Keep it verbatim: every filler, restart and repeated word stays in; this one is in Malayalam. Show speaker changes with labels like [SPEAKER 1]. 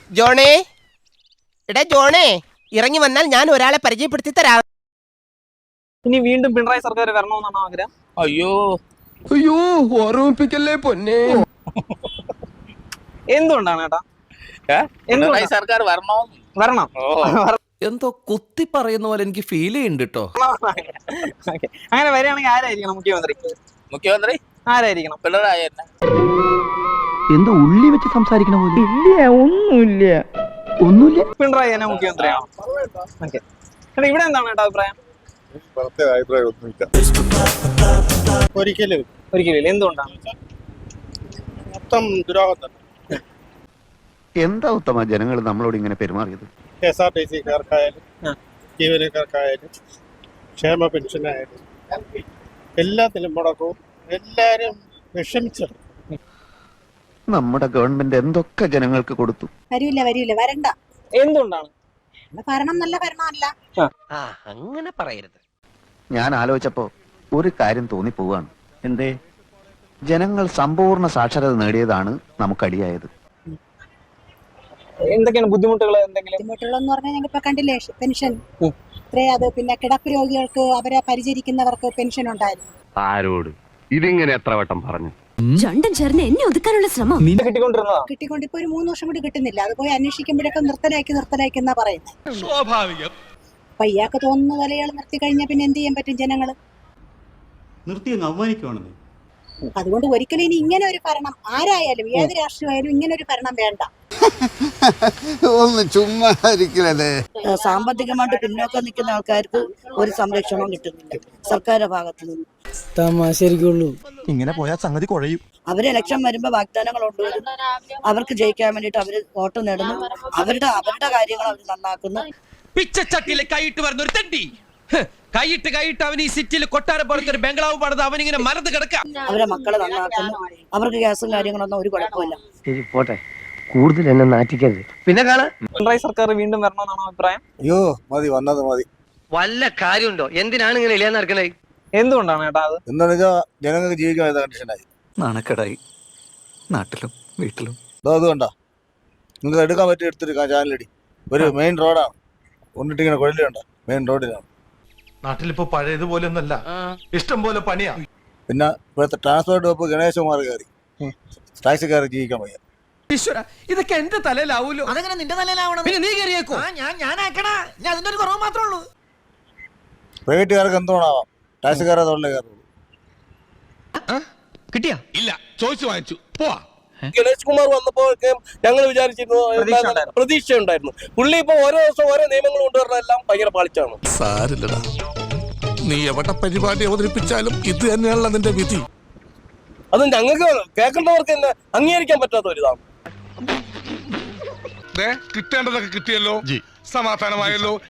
[SPEAKER 1] ജോണേ, എടാ ജോണേ, ഇറങ്ങി വന്നാൽ ഞാൻ ഒരാളെ പരിചയപ്പെടുത്തി തരാം.
[SPEAKER 2] ഇനി വീണ്ടും പിണറായി സർക്കാർ വരണമെന്നാണ് ആഗ്രഹം.
[SPEAKER 3] അയ്യോ
[SPEAKER 4] അയ്യോ ഓർമ്മിപ്പിക്കല്ലേ പൊന്നെ.
[SPEAKER 2] എന്തുകൊണ്ടാണ് ഏട്ടാ?
[SPEAKER 3] പിണറായി സർക്കാർ വരണോ?
[SPEAKER 2] വരണം.
[SPEAKER 5] എന്തോ കുത്തി പറയുന്ന പോലെ എനിക്ക് ഫീൽ ചെയ്യുന്നുണ്ട് കേട്ടോ.
[SPEAKER 2] അങ്ങനെ വരികയാണെങ്കിൽ ആരായിരിക്കണം മുഖ്യമന്ത്രി?
[SPEAKER 3] മുഖ്യമന്ത്രി
[SPEAKER 2] ആരായിരിക്കണം?
[SPEAKER 3] പിണറായി തന്നെ.
[SPEAKER 6] എന്തോ ഉള്ളി വെച്ച് സംസാരിക്കണ പോലെ.
[SPEAKER 7] ഇല്ല, ഒന്നുമില്ല.
[SPEAKER 6] ഒന്നുമില്ല.
[SPEAKER 2] പിണറായി തന്നെ മുഖ്യമന്ത്രിയാണോ? ഓക്കെ. ഇവിടെ എന്താണ് ഏട്ടാ അഭിപ്രായം?
[SPEAKER 8] ഒരിക്കലും
[SPEAKER 2] ഒരിക്കലും. എന്തുകൊണ്ടാണ്?
[SPEAKER 8] മൊത്തം ദുരോഹം തന്നെ.
[SPEAKER 6] എന്താ ഉത്തമ ജനങ്ങൾ നമ്മളോട് ഇങ്ങനെ പെരുമാറിയത്?
[SPEAKER 8] കെ എസ് ആർ ടി സിക്കാർക്കായാലും ജീവനക്കാർക്കായാലും ക്ഷേമ പെൻഷനായാലും എല്ലാത്തിലും മുടക്കവും എല്ലാരും വിഷമിച്ചത്.
[SPEAKER 6] നമ്മുടെ ഗവൺമെന്റ് എന്തൊക്കെ ജനങ്ങൾക്ക് കൊടുത്തു.
[SPEAKER 9] വരൂല വരൂല വരണ്ട.
[SPEAKER 2] എന്തുകൊണ്ടാണ്?
[SPEAKER 9] ഭരണം നല്ല ഭരണമല്ല.
[SPEAKER 1] അങ്ങനെ പറയരുത്.
[SPEAKER 6] ഞാൻ ആലോചിച്ചപ്പോ ഒരു കാര്യം തോന്നി പോവാണ്. എന്തേ? ജനങ്ങൾ സമ്പൂർണ്ണ സാക്ഷരത നേടിയതാണ് നമുക്കടിയായത്.
[SPEAKER 2] എന്തൊക്കെയാണ് ബുദ്ധിമുട്ടുകൾ? എന്തെങ്കിലും
[SPEAKER 9] ബുദ്ധിമുട്ടുകളെന്ന് പറഞ്ഞാൽ ഞങ്ങൾ ഇപ്പൊ കണ്ടില്ലേ പെൻഷൻ ഇത്രേ, അത് പിന്നെ കിടപ്പ് രോഗികൾക്ക് അവരെ പരിചരിക്കുന്നവർക്ക് പെൻഷൻ ഉണ്ടായിരുന്നു.
[SPEAKER 4] ആരോട് ഇതിങ്ങനെ എത്ര വട്ടം പറഞ്ഞു?
[SPEAKER 10] രണ്ടും ചേർന്ന് എന്നെ ഒതുക്കാനുള്ള ശ്രമം
[SPEAKER 2] കിട്ടിക്കൊണ്ടിരുന്നതാ.
[SPEAKER 9] കിട്ടിക്കൊണ്ട് ഇപ്പൊ ഒരു മൂന്ന് വർഷം കൂടി കിട്ടുന്നില്ല. അത് പോയി അന്വേഷിക്കുമ്പോഴൊക്കെ നിർത്തലാക്കി നിർത്തലാക്കി എന്നാ പറയുന്നത്.
[SPEAKER 4] സ്വാഭാവികം.
[SPEAKER 9] അപ്പൊ ഇയാൾക്ക് തോന്നുന്ന പോലെ ഇയാൾ നിർത്തി കഴിഞ്ഞാൽ പിന്നെ എന്ത് ചെയ്യാൻ പറ്റും ജനങ്ങള്?
[SPEAKER 11] നിർത്തി അങ്ങ് അവമാനിക്കുവാണെന്നേ.
[SPEAKER 9] അതുകൊണ്ട് ഒരിക്കലും ഇനി ഇങ്ങനെ ഒരു ഭരണം ആരായാലും ഏത് രാഷ്ട്രീയമായാലും ഇങ്ങനെ ഒരു ഭരണം വേണ്ട.
[SPEAKER 8] ഒന്ന് ചുമ്മാ ഇരിക്കലേ.
[SPEAKER 7] സാമ്പത്തികമായിട്ട് പിന്നോക്കം നിൽക്കുന്ന ആൾക്കാർക്ക് ഒരു സംരക്ഷണവും കിട്ടുന്നില്ല സർക്കാരിന്റെ ഭാഗത്തു നിന്ന്.
[SPEAKER 2] തമാശരിക്കുള്ളൂ.
[SPEAKER 4] ഇങ്ങനെ പോയാൽ സംഗതി കുഴയും.
[SPEAKER 7] അവര് ഇലക്ഷൻ വരുമ്പോ വാഗ്ദാനങ്ങൾ കൊണ്ടുവരും. അവർക്ക് ജയിക്കാൻ വേണ്ടിട്ട് അവര് വോട്ട് നേടുന്നു. അവരുടെ അവരുടെ കാര്യങ്ങൾ അവർ നന്നാക്കുന്നു.
[SPEAKER 5] പിച്ചച്ചട്ടിയിലെ കൈയിട്ട് വരുന്ന ഒരു തെണ്ടി കൈയിട്ട് കൈയിട്ട് അവൻ ഈ സിറ്റിയിൽ കൊട്ടാരം പോലത്തെ ഒരു ബംഗ്ലാവ് പണിത് അവനിങ്ങനെ മരത്ത് കിടക്കാം.
[SPEAKER 7] അവരെ മക്കളെ നന്നാക്കുന്നു. അവർക്ക് ഗ്യാസും കാര്യങ്ങളൊന്നും ഒരു കുഴപ്പമില്ല.
[SPEAKER 6] ശരി പോട്ടെ, കൂടുതൽ എന്നെ നാറ്റിക്കരുത്.
[SPEAKER 1] പിന്നെ കാണാ
[SPEAKER 2] പിണറായി സർക്കാർ വീണ്ടും വരണമെന്നാണോ അഭിപ്രായം?
[SPEAKER 8] അയ്യോ മതി, വന്നത് മതി.
[SPEAKER 1] വല്ല കാര്യമുണ്ടോ? എന്തിനാണ് ഇങ്ങനെ ഇല്ലാന്ന് നടക്കണേ?
[SPEAKER 2] എന്തുകൊണ്ടാണ് ഏട്ടാ അത്?
[SPEAKER 8] എന്താണെന്ന് വെച്ചാൽ ജനങ്ങൾക്ക് ജീവിക്കാൻ കണ്ടീഷനായി.
[SPEAKER 5] നാണക്കേടായി നാട്ടിലും വീട്ടിലും.
[SPEAKER 8] അതുകൊണ്ടാ നിങ്ങൾക്ക് എടുക്കാൻ പറ്റി എടുത്തിരിക്കാം. ചാനലടി ഒരു മെയിൻ റോഡാണ്. കൊണ്ടിട്ടിങ്ങനെ കുഴലുണ്ട്, മെയിൻ റോഡിലാണ്.
[SPEAKER 4] നാട്ടിലിപ്പോ പഴയതുപോലെ ഒന്നല്ല, ഇഷ്ടം പോലെ പണിയാ.
[SPEAKER 8] പിന്നെ ഇപ്പോഴത്തെ ട്രാൻസ്പോർട്ട് വകുപ്പ് ഗണേശകുമാർ കയറി ടാക്സിക്കാർ ജീവിക്കാൻ വയ്യ.
[SPEAKER 5] ഇതൊക്കെ എന്റെ തലയിലാവൂലോ.
[SPEAKER 1] അതെങ്ങനെ നിന്റെ തലയിലാവണം?
[SPEAKER 5] പിന്നെ നീ കയറിയേക്കോ?
[SPEAKER 1] ഞാൻ ഞാനാക്കണ ഞാൻ അതിന്റെ ഒരു കുറവ് മാത്രമേ ഉള്ളൂ.
[SPEAKER 8] പ്രൈവറ്റുകാർക്ക് എന്തുകൊണ്ടാവാം, ടാക്സിക്കാരെ തൊഴിലേ കയറുള്ളൂ.
[SPEAKER 5] കിട്ടിയാ?
[SPEAKER 4] ഇല്ല, ചോദിച്ചു വാങ്ങിച്ചു പോവാ.
[SPEAKER 3] ഗണേഷ് കുമാർ വന്നപ്പോ ഞങ്ങൾ വിചാരിച്ചിരുന്നു, പ്രതീക്ഷ ഉണ്ടായിരുന്നു. പുള്ളി ഇപ്പൊ ഓരോ ദിവസം ഓരോ നിയമങ്ങൾ കൊണ്ടുവരണം, എല്ലാം ഭയങ്കര പാളിച്ചാണ്.
[SPEAKER 4] സാരില്ലടാ, നീ എവിടെ പരിപാടി അവതരിപ്പിച്ചാലും ഇത് തന്നെയാണല്ലോ നിന്റെ വിധി.
[SPEAKER 3] അത് ഞങ്ങൾക്ക് കേൾക്കേണ്ടവർക്ക് തന്നെ അംഗീകരിക്കാൻ പറ്റാത്ത ഒരു ഇതാണ്.
[SPEAKER 4] കിട്ടേണ്ടതൊക്കെ കിട്ടിയല്ലോ, സമാധാനമായല്ലോ.